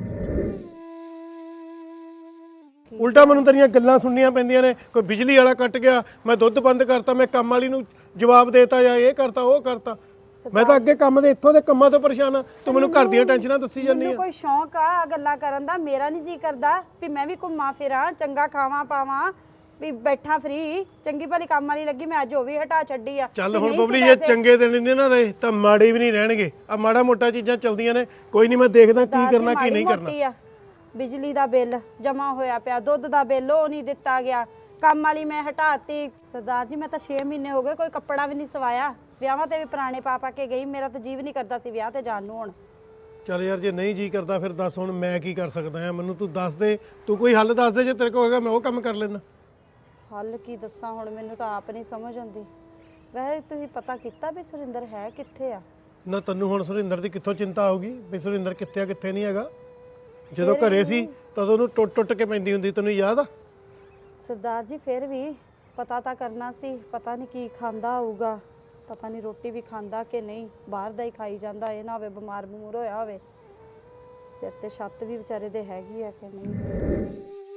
S7: ਉਲਟਾ ਮੈਨੂੰ ਤੇਰੀਆਂ ਗੱਲਾਂ ਸੁਣਨੀਆਂ ਪੈਂਦੀਆਂ ਨੇ, ਕੋਈ ਬਿਜਲੀ ਵਾਲਾ ਕੱਟ ਗਿਆ, ਮੈਂ ਦੁੱਧ ਬੰਦ ਕਰਤਾ, ਮੈਂ ਕੰਮ ਵਾਲੀ ਨੂੰ ਜਵਾਬ ਦੇਤਾ, ਜਾਂ ਇਹ ਕਰਤਾ ਉਹ ਕਰਤਾ। ਮੈਂ ਤਾਂ ਅੱਗੇ ਕੰਮ ਦੇ ਇੱਥੋਂ ਦੇ ਕੰਮਾਂ ਤੋਂ ਪਰੇਸ਼ਾਨ ਆ, ਤੂੰ ਮੈਨੂੰ ਘਰ ਦੀਆਂ ਟੈਨਸ਼ਨਾਂ ਦੱਸੀ ਜਾਂਦੀ
S6: ਮੈਨੂੰ
S7: ਆ।
S6: ਕੋਈ ਸ਼ੌਂਕ ਆ ਗੱਲਾਂ ਕਰਨ ਦਾ? ਮੇਰਾ ਨਹੀਂ ਜੀ ਕਰਦਾ ਵੀ ਮੈਂ ਵੀ ਘੁੰਮਾਂ ਫਿਰਾਂ, ਚੰਗਾ ਖਾਵਾਂ ਪਾਵਾਂ, ਵੀ ਬੈਠਾ ਫਰੀ। ਚੰਗੀ ਭਲੀ ਕੰਮ ਵਾਲੀ ਲੱਗੀ, ਮੈਂ ਅੱਜ ਉਹ ਵੀ ਹਟਾ ਛੱਡੀ ਆ।
S7: ਚੱਲ ਹੁਣ ਬਬਲੀ ਜੇ ਚੰਗੇ ਦਿਨ ਨਹੀਂ ਨਾ ਰਹੇ ਤਾਂ ਮਾੜੇ ਵੀ ਨਹੀਂ ਰਹਿਣਗੇ। ਆ ਮਾੜਾ ਮੋਟਾ ਚੀਜ਼ਾਂ ਚੱਲਦੀਆਂ ਨੇ, ਕੋਈ ਨਹੀਂ, ਮੈਂ ਦੇਖਦਾ ਕੀ ਕਰਨਾ ਕੀ ਨਹੀਂ ਕਰਨਾ।
S6: ਬਿਜਲੀ ਦਾ ਬਿੱਲ ਜਮਾ ਹੋਇਆ ਪਿਆ, ਦੁੱਧ ਦਾ ਬਿੱਲ ਉਹ ਨਹੀਂ ਦਿੱਤਾ ਗਿਆ, ਕੰਮ ਵਾਲੀ ਮੈਂ ਹਟਾਤੀ। ਸਰਦਾਰ ਜੀ ਮੈਂ ਤਾਂ 6 ਮਹੀਨੇ ਹੋ ਗਏ ਕੋਈ ਕੱਪੜਾ ਵੀ ਨਹੀਂ ਸਵਾਇਆ, ਵਿਆਹਾਂ ਤੇ ਵੀ ਪੁਰਾਣੇ ਪਾ ਕੇ ਗਈ, ਮੇਰਾ ਤਾਂ ਜੀਵ ਨਹੀਂ ਕਰਦਾ ਸੀ ਵਿਆਹ ਤੇ ਜਾਣ ਨੂੰ। ਹੁਣ
S7: ਚੱਲ ਯਾਰ ਜੇ ਨਹੀਂ ਜੀ ਕਰਦਾ ਫਿਰ ਦੱਸ ਹੁਣ ਮੈਂ ਕੀ ਕਰ ਸਕਦਾ ਆ? ਮੈਨੂੰ ਤੂੰ ਦੱਸ ਦੇ, ਤੂੰ ਕੋਈ ਹੱਲ ਦੱਸ ਦੇ, ਜੇ ਤੇਰੇ ਕੋਲ ਹੈਗਾ ਮੈਂ ਉਹ ਕੰਮ ਕਰ ਲੈਣਾ।
S6: ਹੱਲ ਕੀ ਦੱਸਾਂ ਹੁਣ, ਮੈਨੂੰ ਤਾਂ ਆਪ ਨਹੀਂ ਸਮਝ ਆਉਂਦੀ। ਵੈਸੇ ਤੁਸੀਂ ਪਤਾ ਕੀਤਾ ਵੀ ਸੁਰਿੰਦਰ ਹੈ ਕਿੱਥੇ ਆ?
S7: ਨਾ ਤੈਨੂੰ ਹੁਣ ਸੁਰਿੰਦਰ ਦੀ ਕਿੱਥੋਂ ਚਿੰਤਾ ਆਊਗੀ ਵੀ ਸੁਰਿੰਦਰ ਕਿੱਥੇ ਆ ਕਿੱਥੇ ਨਹੀਂ ਹੈਗਾ? ਜਦੋਂ ਘਰੇ ਸੀ ਤਦੋਂ ਉਹਨੂੰ ਟੁੱਟ ਕੇ ਪੈਂਦੀ ਹੁੰਦੀ, ਤੈਨੂੰ ਯਾਦ ਆ?
S6: ਸਰਦਾਰ ਜੀ ਫਿਰ ਵੀ ਪਤਾ ਤਾਂ ਕਰਨਾ ਸੀ, ਪਤਾ ਨਹੀਂ ਕੀ ਖਾਂਦਾ ਹੋਊਗਾ, ਪਤਾ ਨਹੀਂ ਰੋਟੀ ਵੀ ਖਾਂਦਾ ਕਿ ਨਹੀਂ, ਬਾਹਰ ਦਾ ਹੀ ਖਾਈ ਜਾਂਦਾ, ਇਹ ਨਾ ਹੋਵੇ ਬਿਮਾਰ ਬਮੂਰ ਹੋਇਆ ਹੋਵੇ। ਸਿਰ ਤੇ ਛੱਤ ਵੀ ਵਿਚਾਰੇ ਦੇ ਹੈਗੀ ਆ ਕਿ ਨਹੀਂ?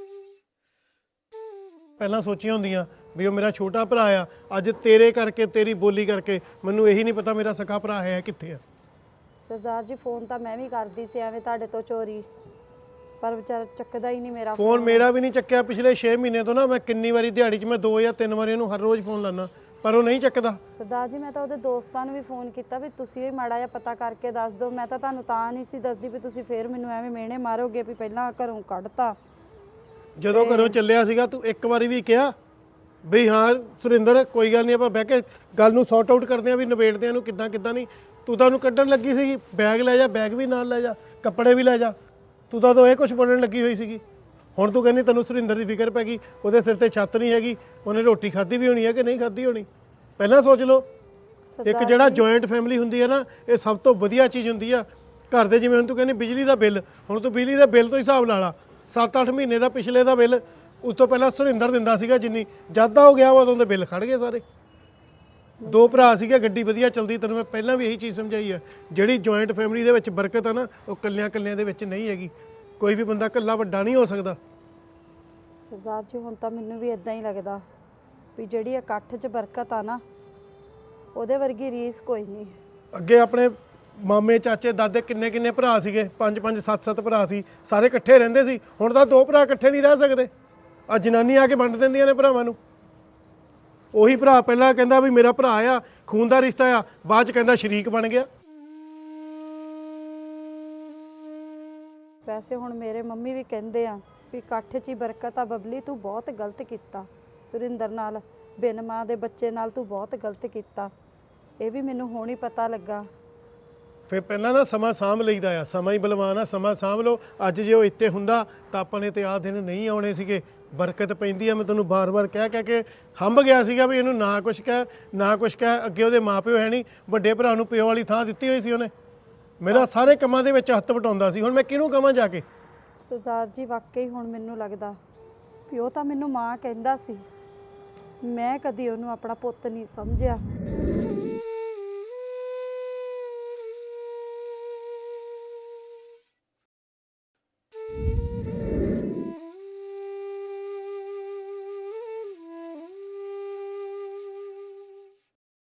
S7: ਪਹਿਲਾਂ ਸੋਚੀਆਂ ਹੁੰਦੀਆਂ ਵੀ ਉਹ ਮੇਰਾ ਛੋਟਾ ਭਰਾ ਆ, ਅੱਜ ਤੇਰੇ ਕਰਕੇ ਤੇਰੀ ਬੋਲੀ ਕਰਕੇ ਮੈਨੂੰ ਇਹੀ ਨਹੀਂ ਪਤਾ ਮੇਰਾ ਸਖਾ ਭਰਾ ਹੈ ਕਿੱਥੇ ਆ।
S6: ਸਰਦਾਰ ਜੀ ਫੋਨ ਤਾਂ ਮੈਂ ਵੀ ਕਰਦੀ ਸੀ ਐਵੇਂ ਤੁਹਾਡੇ ਤੋਂ ਚੋਰੀ, ਪਰ ਵਿਚਾਰਾ ਚੱਕਦਾ ਹੀ ਨਹੀਂ ਮੇਰਾ
S7: ਫੋਨ। ਮੇਰਾ ਵੀ ਨਹੀਂ ਚੱਕਿਆ ਪਿਛਲੇ 6 ਮਹੀਨੇ ਤੋਂ ਨਾ, ਮੈਂ ਕਿੰਨੀ ਵਾਰੀ ਦਿਹਾੜੀ 'ਚ ਮੈਂ 2 ਜਾਂ 3 ਵਾਰੀ ਉਹਨੂੰ ਹਰ ਰੋਜ਼ ਫੋਨ ਲਾਣਾ, ਪਰ ਉਹ ਨਹੀਂ ਚੱਕਦਾ।
S6: ਸਰਦਾਰ ਜੀ ਮੈਂ ਤਾਂ ਉਹਦੇ ਦੋਸਤਾਂ ਨੂੰ ਵੀ ਫੋਨ ਕੀਤਾ ਵੀ ਤੁਸੀਂ ਵੀ ਮਾੜਾ ਜਿਹਾ ਪਤਾ ਕਰਕੇ ਦੱਸ ਦਿਓ। ਮੈਂ ਤਾਂ ਤੁਹਾਨੂੰ ਤਾਂ ਨਹੀਂ ਸੀ ਦੱਸਦੀ ਵੀ ਤੁਸੀਂ ਫੇਰ ਮੈਨੂੰ ਐਵੇਂ ਮਿਹਣੇ ਮਾਰੋਗੇ ਵੀ ਪਹਿਲਾਂ ਘਰੋਂ ਕੱਢਤਾ।
S7: ਜਦੋਂ ਘਰੋਂ ਚੱਲਿਆ ਸੀਗਾ ਤੂੰ ਇੱਕ ਵਾਰੀ ਵੀ ਕਿਹਾ ਵੀ ਹਾਂ ਸੁਰਿੰਦਰ ਕੋਈ ਗੱਲ ਨਹੀਂ, ਆਪਾਂ ਬਹਿ ਕੇ ਗੱਲ ਨੂੰ ਸੌਰਟ ਆਊਟ ਕਰਦੇ ਆਂ ਵੀ ਨਿਬੇੜਦੇ ਆਂ ਨੂੰ ਕਿੱਦਾਂ ਨਹੀਂ? ਤੂੰ ਤਾਂ ਉਹਨੂੰ ਕੱਢਣ ਲੱਗੀ ਸੀਗੀ, ਬੈਗ ਲੈ ਜਾ, ਬੈਗ ਵੀ ਨਾਲ ਲੈ ਜਾ, ਕੱਪੜੇ ਵੀ ਲੈ ਜਾ, ਤੂੰ ਤਾਂ ਉਦੋਂ ਇਹ ਕੁਝ ਬਣਨ ਲੱਗੀ ਹੋਈ ਸੀਗੀ। ਹੁਣ ਤੂੰ ਕਹਿੰਦੀ ਤੈਨੂੰ ਸੁਰਿੰਦਰ ਦੀ ਫਿਕਰ ਪੈ ਗਈ, ਉਹਦੇ ਸਿਰ ਤੇ ਛੱਤ ਨਹੀਂ ਹੈਗੀ, ਉਹਨੇ ਰੋਟੀ ਖਾਧੀ ਵੀ ਹੋਣੀ ਹੈ ਕਿ ਨਹੀਂ ਖਾਧੀ ਹੋਣੀ। ਪਹਿਲਾਂ ਸੋਚ ਲਓ। ਇੱਕ ਜਿਹੜਾ ਜੁਆਇੰਟ ਫੈਮਿਲੀ ਹੁੰਦੀ ਹੈ ਨਾ, ਇਹ ਸਭ ਤੋਂ ਵਧੀਆ ਚੀਜ਼ ਹੁੰਦੀ ਆ। ਘਰ ਦੇ ਜਿਵੇਂ ਹੁਣ ਤੂੰ ਕਹਿੰਦੀ ਬਿਜਲੀ ਦਾ ਬਿੱਲ, ਹੁਣ ਤੂੰ ਬਿਜਲੀ ਦਾ ਬਿੱਲ ਤੋਂ ਹਿਸਾਬ ਲਾ ਲਾ, 7-8 ਮਹੀਨੇ ਦਾ ਪਿਛਲੇ ਦਾ ਬਿੱਲ ਉਸ ਤੋਂ ਪਹਿਲਾਂ ਸੁਰਿੰਦਰ ਦਿੰਦਾ ਸੀਗਾ, ਜਿੰਨੀ ਜਦ ਦਾ ਹੋ ਗਿਆ ਉਦੋਂ ਦੇ ਬਿੱਲ ਖੜ ਗਏ ਸਾਰੇ। 2 ਭਰਾ ਸੀਗੇ, ਗੱਡੀ ਵਧੀਆ ਚੱਲਦੀ, ਤੈਨੂੰ ਮੈਂ ਪਹਿਲਾਂ ਵੀ ਇਹੀ ਚੀਜ਼ ਸਮਝਾਈ ਆ। ਜਿਹੜੀ ਜੁਆਇੰਟ ਫੈਮਿਲੀ ਦੇ ਵਿੱਚ ਬਰਕਤ ਆ ਨਾ, ਉਹ ਕੱਲਿਆਂ ਦੇ ਵਿੱਚ ਨਹੀਂ ਹੈਗੀ। ਕੋਈ ਵੀ ਬੰਦਾ ਇਕੱਲਾ ਵੱਡਾ ਨਹੀਂ ਹੋ ਸਕਦਾ।
S6: ਸਰਦਾਰ ਜੀ ਹੁਣ ਤਾਂ ਮੈਨੂੰ ਵੀ ਇਦਾਂ ਹੀ ਲੱਗਦਾ ਵੀ ਜਿਹੜੀ ਇਕੱਠ 'ਚ ਬਰਕਤ ਆ ਨਾ, ਉਹਦੇ ਵਰਗੀ ਰੀਸ ਕੋਈ ਨਹੀਂ।
S7: ਅੱਗੇ ਆਪਣੇ ਮਾਮੇ ਚਾਚੇ ਦਾਦੇ ਕਿੰਨੇ ਭਰਾ ਸੀਗੇ, 5-5 7-7 ਭਰਾ ਸੀ, ਸਾਰੇ ਇਕੱਠੇ ਰਹਿੰਦੇ ਸੀ। ਹੁਣ ਤਾਂ 2 ਭਰਾ ਇਕੱਠੇ ਨਹੀਂ ਰਹਿ ਸਕਦੇ। ਆ ਜਨਾਨੀ ਆ ਕੇ ਵੰਡ ਦਿੰਦੀਆਂ ਨੇ ਭਰਾਵਾਂ ਨੂੰ। ਉਹੀ ਭਰਾ ਪਹਿਲਾਂ ਕਹਿੰਦਾ ਵੀ ਮੇਰਾ ਭਰਾ ਆ, ਖੂਨ ਦਾ ਰਿਸ਼ਤਾ ਆ, ਬਾਅਦ ਚ ਕਹਿੰਦਾ ਸ਼ਰੀਕ ਬਣ ਗਿਆ।
S6: ਵੈਸੇ ਹੁਣ ਮੇਰੇ ਮੰਮੀ ਵੀ ਕਹਿੰਦੇ ਆ ਵੀ ਇਕੱਠ 'ਚ ਹੀ ਬਰਕਤ ਆ। ਬਬਲੀ ਤੂੰ ਬਹੁਤ ਗਲਤ ਕੀਤਾ ਸੁਰਿੰਦਰ ਨਾਲ, ਬਿਨ ਮਾਂ ਦੇ ਬੱਚੇ ਨਾਲ ਤੂੰ ਬਹੁਤ ਗਲਤ ਕੀਤਾ। ਇਹ ਵੀ ਮੈਨੂੰ ਹੁਣ ਹੀ ਪਤਾ ਲੱਗਾ।
S7: ਫਿਰ ਪਹਿਲਾਂ ਨਾ ਸਮਾਂ ਸਾਂਭ ਲਈਦਾ ਆ, ਸਮਾਂ ਹੀ ਬਲਵਾਨ ਆ, ਸਮਾਂ ਸਾਂਭ ਲਓ। ਅੱਜ ਜੇ ਉਹ ਇੱਥੇ ਹੁੰਦਾ ਤਾਂ ਆਪਾਂ ਨੇ ਤੇ ਆਹ ਦਿਨ ਨਹੀਂ ਆਉਣੇ ਸੀਗੇ। ਬਰਕਤ ਪੈਂਦੀ ਆ, ਮੈਂ ਤੈਨੂੰ ਬਾਰ-ਬਾਰ ਕਹਿ ਕੇ ਹੰਭ ਗਿਆ ਸੀਗਾ ਵੀ ਇਹਨੂੰ ਨਾ ਕੁਛ ਕਹਿ। ਅੱਗੇ ਉਹਦੇ ਮਾਪਿਓ ਹੈ ਨਹੀਂ, ਵੱਡੇ ਭਰਾ ਨੂੰ ਪਿਓ ਵਾਲੀ ਥਾਂ ਦਿੱਤੀ ਹੋਈ ਸੀ ਉਹਨੇ। ਮੇਰਾ ਸਾਰੇ ਕੰਮਾਂ ਦੇ ਵਿੱਚ ਹੱਥ ਵਟਾਉਂਦਾ ਸੀ। ਹੁਣ ਮੈਂ ਕਿਹਨੂੰ ਕਹਾਂ ਜਾ ਕੇ?
S6: ਸਰਦਾਰ ਜੀ ਵਾਕਈ ਹੁਣ ਮੈਨੂੰ ਲੱਗਦਾ ਵੀ ਉਹ ਤਾਂ ਮੈਨੂੰ ਮਾਂ ਕਹਿੰਦਾ ਸੀ, ਮੈਂ ਕਦੀ ਉਹਨੂੰ ਆਪਣਾ ਪੁੱਤ ਨਹੀਂ ਸਮਝਿਆ।